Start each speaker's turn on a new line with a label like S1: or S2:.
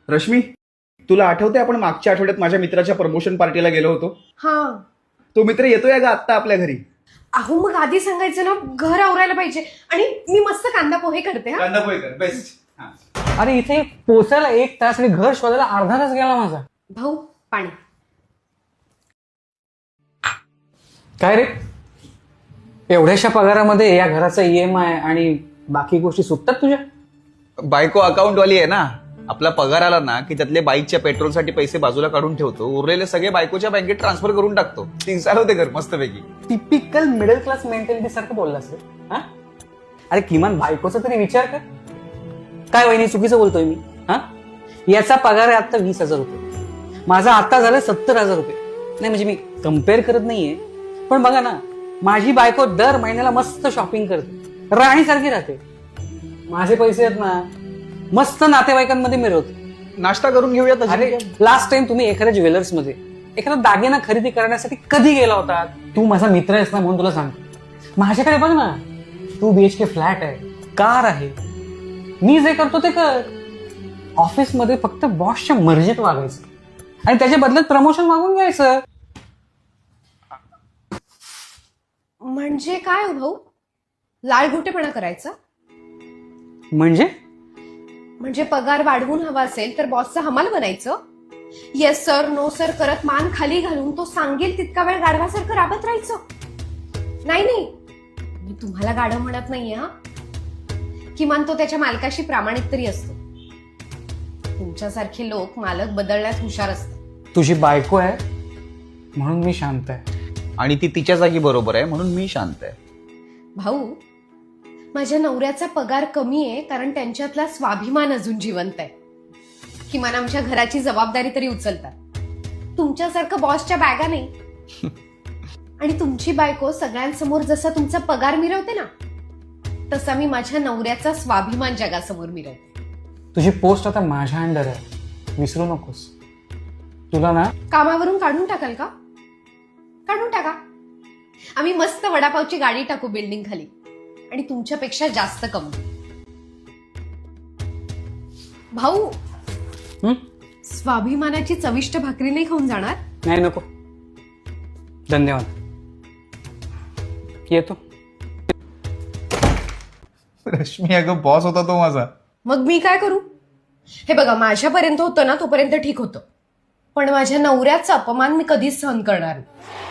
S1: रश्मी, तुला आठवते आपण मागच्या आठवड्यात माझ्या मित्राच्या प्रमोशन पार्टीला गेलो होतो?
S2: हा.
S1: तो मित्र येतोय का आत्ता आपल्या घरी?
S2: अहो मग आधी सांगायचं ना, घर आवरायला पाहिजे. आणि मी मस्त कांदा पोहे करते. हा
S1: कांदा पोहे कर, बेस्ट.
S3: अरे इथे पोचायला 1 तास आणि घर शोधायला अर्धा तास गेला माझा.
S2: भाऊ, पाणी.
S3: काय रे, एवढ्याशा पगारामध्ये या घराचा EMI आणि बाकी गोष्टी सुटतात तुझ्या?
S1: बायको अकाउंट वाली आहे ना. आपला पगार आला ना की त्यातले बाईकच्या पेट्रोलसाठी पैसे बाजूला काढून ठेवतो, उरलेले सगळे बायकोच्या बँकेत ट्रान्सफर करून टाकतो. ती चालवते घर मस्तपैकी.
S3: टिपिकल मिडल क्लास मेंटॅलिटी सारखं बोललास रे. हा, अरे किमान बायकोचा तरी विचार कर. काय वहिनी, चुकीचं बोलतोय मी? हा, याचा पगार आहे आता 20,000 रुपये, माझा आता झालं 70,000 रुपये. नाही म्हणजे मी कम्पेअर करत नाहीये, पण बघा ना, माझी बायको दर महिन्याला मस्त शॉपिंग करते, राणीसारखी राहते. माझे पैसे आहेत ना, मस्त नातेवाईकांमध्ये मिळवतो.
S1: नाश्ता करून घेऊया.
S3: अरे लास्ट टाइम तुम्ही एखाद्या ज्वेलर्स मध्ये एखादा दागिना खरेदी करण्यासाठी कधी गेला होता? तू माझा मित्र आहेस ना म्हणून तुला सांगतो. माझ्याकडे बघ ना, 2 BHK फ्लॅट आहे, कार आहे. मी जे करतो ते कर. ऑफिसमध्ये फक्त बॉसच्या मर्जीत वागायचं आणि त्याच्या बदल्यात प्रमोशन मागून घ्यायचं.
S2: म्हणजे काय हो भाऊ? लाळघोटेपणा करायचा? म्हणजे पगार वाढवून हवा असेल तर बॉसचा हमाल बनायचं? येस सर, नो सर करत मान खाली घालून तो सांगेल तितका वेळ गाढवासारखं राबत राहायचं? नाही नाही, मी तुम्हाला गाढव म्हणत नाहीये. हा, किमान तो त्याच्या मालकाशी प्रामाणिक तरी असतो. तुमच्यासारखे लोक मालक बदलण्यात हुशार असतात.
S3: तुझी बायको आहे म्हणून मी शांत आहे,
S1: आणि ती तिच्या जागी बरोबर आहे म्हणून मी शांत आहे.
S2: भाऊ, माझ्या नवऱ्याचा पगार कमी आहे कारण त्यांच्यातला स्वाभिमान अजून जिवंत आहे. किमान आमच्या घराची जबाबदारी तरी उचलतात. तुमच्यासारखं बॉसच्या बॅगा नाही. आणि तुमची बायको सगळ्यांसमोर जसा तुमचा पगार मिरवते ना, तसा मी माझ्या नवऱ्याचा स्वाभिमान जगासमोर मिरवते.
S3: तुझी पोस्ट आता माझ्या अंडर आहे, विसरू नकोस. तुला ना
S2: कामावरून काढून टाकाल का? काढून टाका. आम्ही मस्त वडापावची गाडी टाकू बिल्डिंग खाली आणि तुमच्यापेक्षा जास्त कमवू. भाऊ, स्वाभिमानाची चविष्ट भाकरी नाही खाऊन जाणार?
S3: नाही, नको, धन्यवाद, येतो.
S1: रश्मी, अगं बॉस होता तो माझा.
S2: मग मी काय करू? हे बघा, माझ्यापर्यंत होतं ना तोपर्यंत ठीक होतं, पण माझ्या नवऱ्याचा अपमान मी कधीच सहन करणार नाही.